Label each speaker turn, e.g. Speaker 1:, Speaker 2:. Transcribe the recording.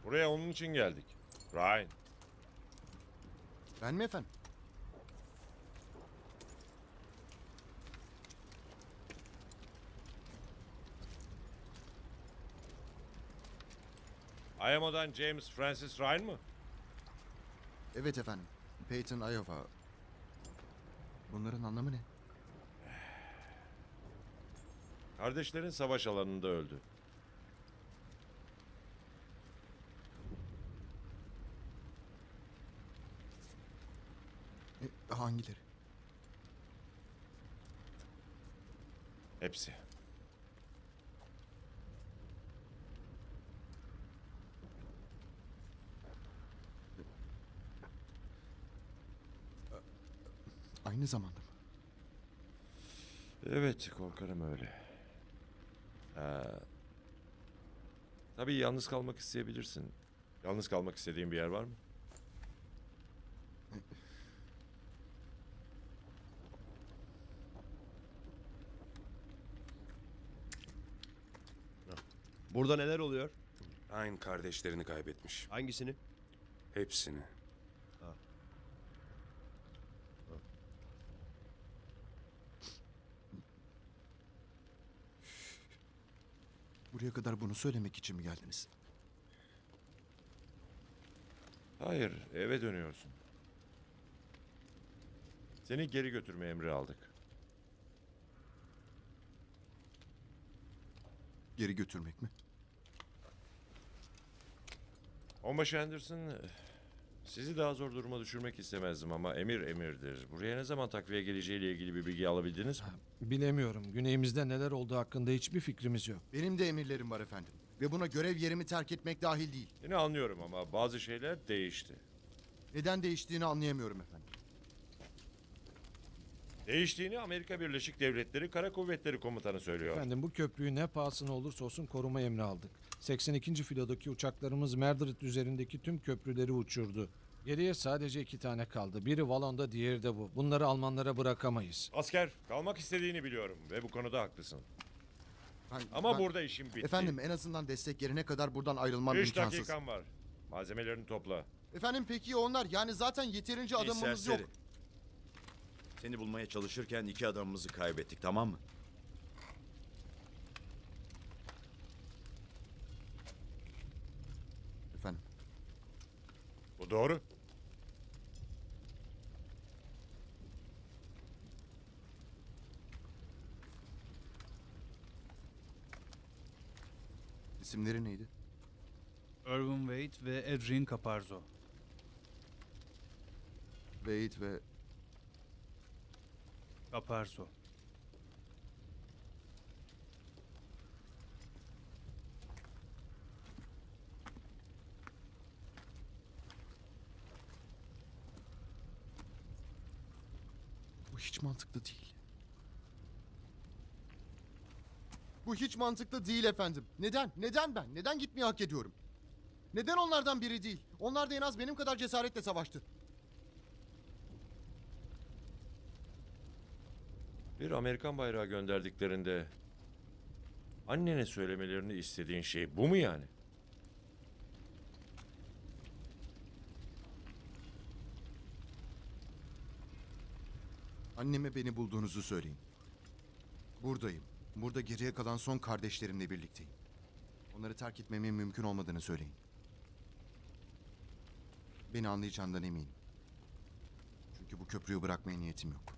Speaker 1: Buraya onun için geldik. Ryan.
Speaker 2: Ben mi efendim?
Speaker 1: IMO'dan James Francis Ryan mı?
Speaker 2: Evet efendim. Peyton, Iowa. Bunların anlamı ne?
Speaker 1: Kardeşlerin savaş alanında öldü.
Speaker 2: Hangileri?
Speaker 1: Hepsi.
Speaker 2: Aynı zamanda mı?
Speaker 1: Evet, korkarım öyle. Tabii yalnız kalmak isteyebilirsin. Yalnız kalmak istediğin bir yer var mı?
Speaker 3: Burada neler oluyor?
Speaker 4: Aynı kardeşlerini kaybetmiş.
Speaker 3: Hangisini?
Speaker 4: Hepsini.
Speaker 2: Buraya kadar bunu söylemek için mi geldiniz?
Speaker 1: Hayır, eve dönüyorsun. Seni geri götürme emri aldık.
Speaker 2: Geri götürmek mi?
Speaker 1: Onbaşı Anderson, sizi daha zor duruma düşürmek istemezdim ama emir emirdir. Buraya ne zaman takviye geleceğiyle ilgili bir bilgi alabildiniz mi?
Speaker 5: Bilemiyorum. Güneyimizde neler olduğu hakkında hiçbir fikrimiz yok.
Speaker 2: Benim de emirlerim var efendim. Ve buna görev yerimi terk etmek dahil değil.
Speaker 1: Yine anlıyorum ama bazı şeyler değişti.
Speaker 2: Neden değiştiğini anlayamıyorum efendim.
Speaker 1: Değiştiğini Amerika Birleşik Devletleri Kara Kuvvetleri Komutanı söylüyor.
Speaker 5: Efendim bu köprüyü ne pahasına olursa olsun koruma emri aldık. 82. filodaki uçaklarımız Merdrit üzerindeki tüm köprüleri uçurdu. Geriye sadece 2 tane kaldı. Biri Valon'da, diğeri de bu. Bunları Almanlara bırakamayız.
Speaker 1: Asker, kalmak istediğini biliyorum ve bu konuda haklısın. Ama
Speaker 2: Ben-
Speaker 1: burada işim bitti.
Speaker 2: Efendim en azından destek gelene kadar buradan ayrılmam
Speaker 1: 3
Speaker 2: imkansız.
Speaker 1: dakikan var. Malzemelerini topla.
Speaker 2: Efendim peki ya onlar? Yani zaten yeterince
Speaker 6: Ey
Speaker 2: adamımız
Speaker 6: serseri.
Speaker 2: yok.
Speaker 6: Seni bulmaya çalışırken 2 adamımızı kaybettik, tamam mı?
Speaker 2: Efendim
Speaker 1: Bu doğru.
Speaker 2: isimleri neydi?
Speaker 7: Irwin Wade ve Adrian Caparzo.
Speaker 2: Wade ve
Speaker 7: Caparzo.
Speaker 2: bu hiç mantıklı değil. Bu hiç mantıklı değil efendim. Neden? Neden ben? Neden gitmeyi hak ediyorum? Neden onlardan biri değil? Onlar da en az benim kadar cesaretle savaştı.
Speaker 1: Bir Amerikan bayrağı gönderdiklerinde annene söylemelerini istediğin şey bu mu yani?
Speaker 2: Anneme beni bulduğunuzu söyleyin. Buradayım. Burada geriye kalan son kardeşlerimle birlikteyim. Onları terk etmemin mümkün olmadığını söyleyin. Beni anlayacağından eminim. Çünkü bu köprüyü bırakmaya niyetim yok.